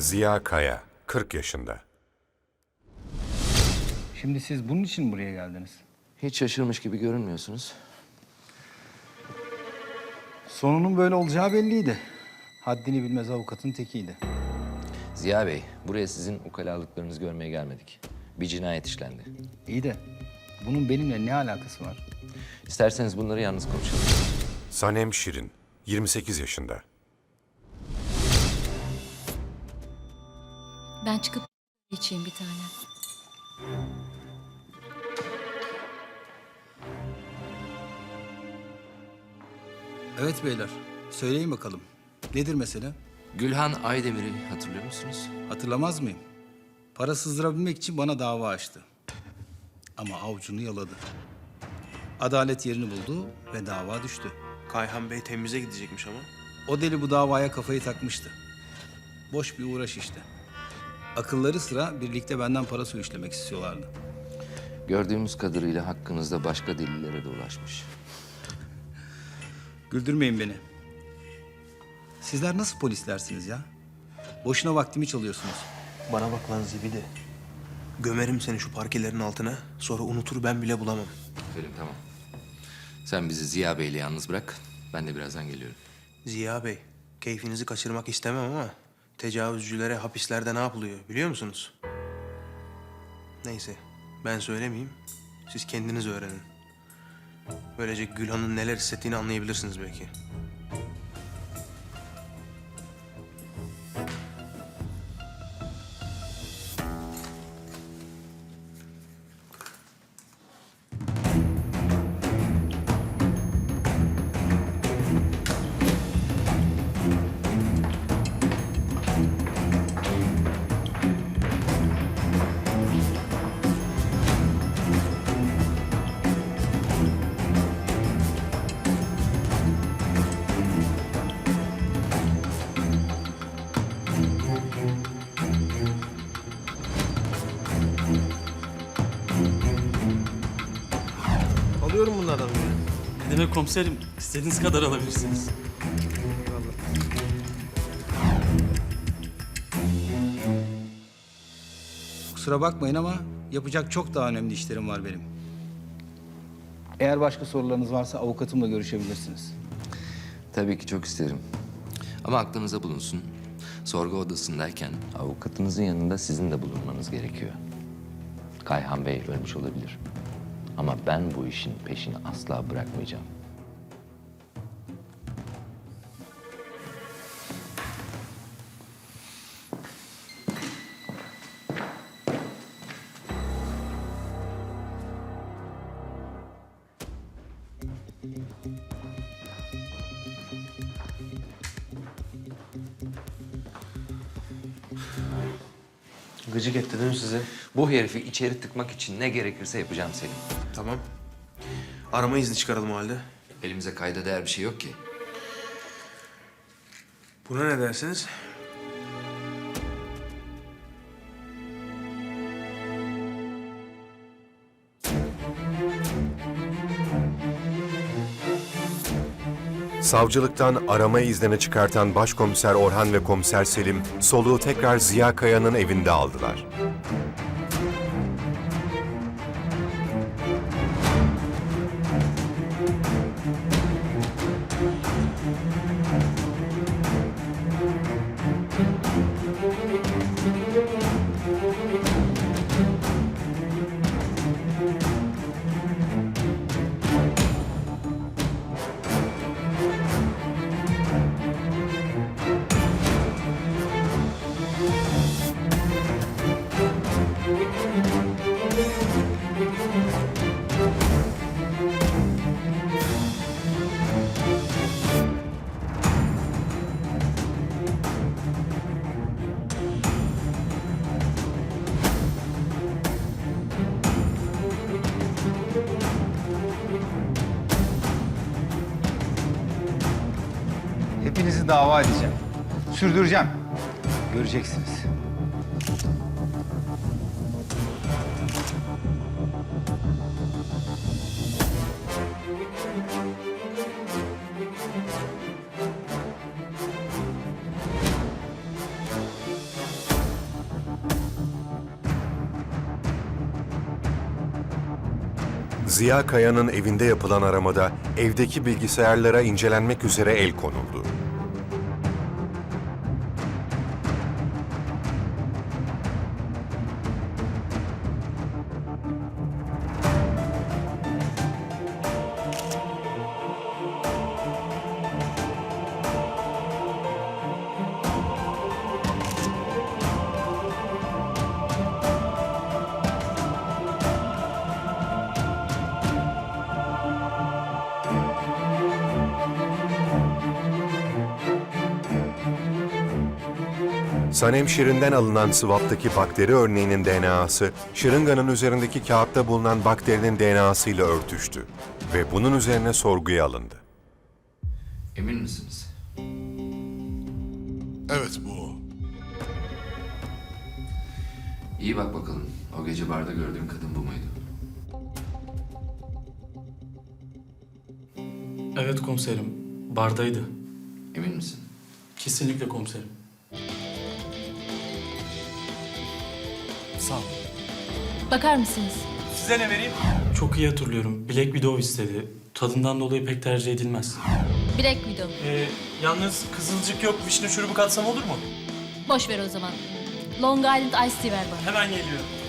Ziya Kaya, 40 yaşında. Şimdi siz bunun için mi buraya geldiniz? Hiç şaşırmış gibi görünmüyorsunuz. Sonunun böyle olacağı belliydi. Haddini bilmez avukatın tekiydi. Ziya Bey, buraya sizin ukalalıklarınızı görmeye gelmedik. Bir cinayet işlendi. İyi de bunun benimle ne alakası var? İsterseniz bunları yalnız konuşalım. Sanem Şirin, 28 yaşında. Ben çıkıp içeyim bir tane. Evet beyler, söyleyin bakalım. Nedir mesele? Gülhan Aydemir'i hatırlıyor musunuz? Hatırlamaz mıyım? Para sızdırabilmek için bana dava açtı. Ama avucunu yaladı. Adalet yerini buldu ve dava düştü. Kayhan Bey temize gidecekmiş ama. O deli bu davaya kafayı takmıştı. Boş bir uğraş işte. Akılları sıra birlikte benden para suyu işlemek istiyorlardı. Gördüğümüz kadarıyla hakkınızda başka delillere de ulaşmış. Güldürmeyin beni. Sizler nasıl polislersiniz ya? Boşuna vaktimi çalıyorsunuz. Bana bak lan zibidi. Gömerim seni şu parkelerin altına. Sonra unutur ben bile bulamam. Selim tamam. Sen bizi Ziya Bey'le yalnız bırak. Ben de birazdan geliyorum. Ziya Bey, keyfinizi kaçırmak istemem ama tecavüzcülere hapislerde ne yapılıyor biliyor musunuz? Neyse, ben söylemeyeyim. Siz kendiniz öğrenin. Böylece Gülhan'ın neler hissettiğini anlayabilirsiniz belki. Alıyorum bunlardan bir. Ne demek komiserim? İstediğiniz kadar alabilirsiniz. Kusura bakmayın ama yapacak çok daha önemli işlerim var benim. Eğer başka sorularınız varsa avukatımla görüşebilirsiniz. Tabii ki çok isterim. Ama aklınıza bulunsun. Sorgu odasındayken avukatınızın yanında sizin de bulunmanız gerekiyor. Kayhan Bey ölmüş olabilir. Ama ben bu işin peşini asla bırakmayacağım. Gıcık etti değil mi size? Bu herifi içeri tıkmak için ne gerekirse yapacağım Selim. Tamam. Arama izni çıkaralım o halde. Elimize kayda değer bir şey yok ki. Buna ne dersiniz? Savcılıktan arama iznini çıkartan Başkomiser Orhan ve Komiser Selim, soluğu tekrar Ziya Kaya'nın evinde aldılar. Hepinizi dava edeceğim. Sürdüreceğim. Göreceksiniz. Ziya Kaya'nın evinde yapılan aramada evdeki bilgisayarlara incelenmek üzere el konuldu. Sanem Şirin'den alınan swap'taki bakteri örneğinin DNA'sı, şırınganın üzerindeki kağıtta bulunan bakterinin DNA'sıyla örtüştü ve bunun üzerine sorguya alındı. Emin misiniz? Evet bu o. İyi bak bakalım. O gece barda gördüğün kadın bu muydu? Evet komiserim. Bardaydı. Emin misin? Kesinlikle komiserim. Sağ ol. Bakar mısınız? Size ne vereyim? Çok iyi hatırlıyorum. Black Widow istedi. Tadından dolayı pek tercih edilmez. Black Widow. Yalnız kızılcık yok. Vişne şurubu katsam olur mu? Boş ver o zaman. Long Island Iced Tea ver bana. Hemen geliyorum.